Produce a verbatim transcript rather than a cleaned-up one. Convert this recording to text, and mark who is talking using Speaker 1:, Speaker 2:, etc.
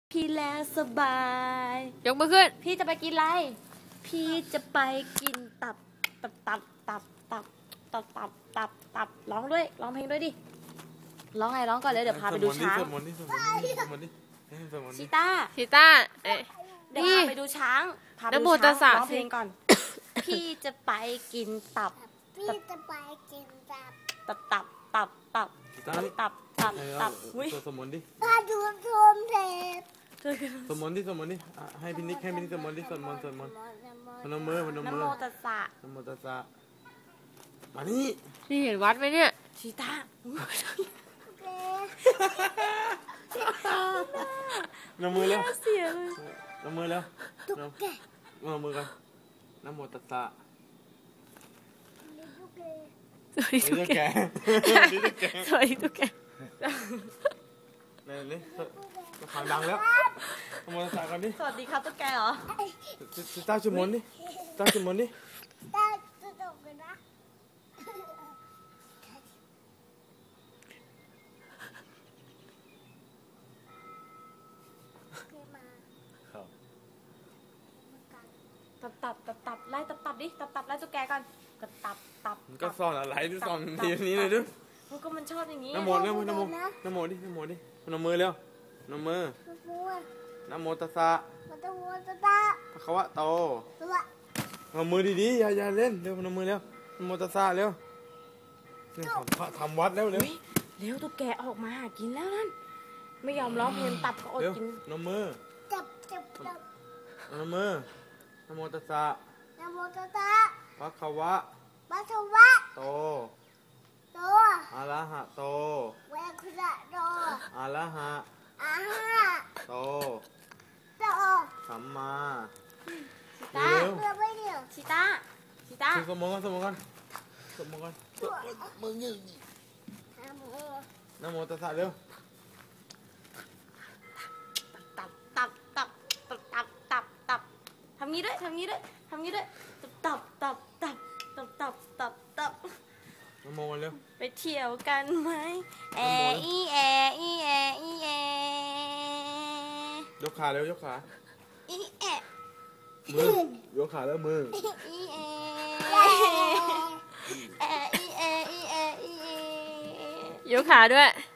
Speaker 1: พี่แล้วสบาย
Speaker 2: ยกมือขึ้น
Speaker 1: พี่จะไปกินอะไรพี่จะไปกินตับตับตับตับตับตับตับตับตับร้องด้วยร้องเพลงด้วยดิร้องไงร้องก่อนเลยเดี๋ยวพาไปดูช้าง
Speaker 3: สวดมนต์ดิสวดมนต์ดิสวดมนต์ดิสวดมนต์ดิ
Speaker 1: ชิต้า
Speaker 2: ชิต้าเอ๊ะ
Speaker 1: เดี๋ยวพาไปดูช้างพาไปดูช้างร้องเพลงก่อนพี่จะไปกินตับ
Speaker 4: พี่จะไปกินตับ
Speaker 1: ตับตับตับตับตับตับตับตับ
Speaker 3: อุ้ยสวดมนต์ดิ
Speaker 4: พาดูชมเทป
Speaker 3: สวดมนต์ดิสวดมนต์ดิให้พี่นิกให้พี่นิกสวดมนต์ดิสวดมนต์สวดมนต์พนมมือพนมมือ
Speaker 1: นะโมตัสสะ
Speaker 3: นะโมตัสสะมานี่
Speaker 2: นี่เห็นวัดไหมเนี่ย
Speaker 1: ชิต้า
Speaker 3: น้ำมือเร็ว
Speaker 1: เสียเลย
Speaker 3: น้ำมือเร็ว
Speaker 4: ตุ๊กแก
Speaker 3: น้ำมือกันนะโมตัสสะ
Speaker 2: สวัสดีตุ๊กแกสวัสดีตุ๊กแก
Speaker 3: เนี่ยนี่ข่าวดังแล้วนะโมตัสสะกันดิ
Speaker 1: สวัสดีครับตุ๊กแกเหรอ
Speaker 3: ต้าชุมนดิต้าชุมนดิ
Speaker 4: ต้าจะตกกันนะ
Speaker 1: ตับตับตับตับไล่ตับตับดิตับตับไล่ตุ๊กแกก่อนก็ตับตับ
Speaker 3: ก็ซ่อนอะไรที่ซ่อนทีนี้เลยด้วย
Speaker 1: มันก็มันชอบอย่างนี้
Speaker 3: น้ำโมน้ำโมน้ำโมน้ำโมดิน้ำโมดิน้ำมือเร็วน้ำมือน้ำโมตัสสะ
Speaker 4: น้ำโมตัสสะ
Speaker 3: พระคะวะโตน้ำมือดีๆอย่าอย่าเล่นเร็วน้ำมือเร็วน้ำโมตัสสะเร็วนี่ทำวัดแล้วเร็ว
Speaker 1: เร็วตุ๊กแกออกมาหากินแล้วนั่นไม่ยอมร้องเพลงตับก็อดกิน
Speaker 3: น้ำมือ
Speaker 4: จับจับจับ
Speaker 3: น้ำมือนะโมตัสสะ
Speaker 4: นะโมตัสสะ
Speaker 3: ภะคะวะ
Speaker 4: ภะคะวะ
Speaker 3: โต
Speaker 4: โต
Speaker 3: อะระหะโต
Speaker 4: เวคุระโต
Speaker 3: อะระหะ
Speaker 4: อะหะ
Speaker 3: โต
Speaker 4: โต
Speaker 3: สัมมา
Speaker 1: ชิต้า
Speaker 4: เพื่อไม่เดียว
Speaker 1: ชิต้าชิต้า
Speaker 3: สมองกันสมองกันสมองกันมึงยืนนะโมตัสสะเร็ว
Speaker 1: ตับตับตับตับตับตับตับทำงี้ด้วยทำงี้ด้วยทำงี้ด้วยตับตับตับตับตับตับตับ
Speaker 3: นะโมเร็ว
Speaker 1: ไปเที่ยวกันไหมแออีแออีแออีแอย
Speaker 3: กขาเร็วยกขา
Speaker 1: อีแอ
Speaker 3: มือยกขาแล้วมือ
Speaker 1: อีแอแออีแออีแออีแอย
Speaker 2: กขาด้วย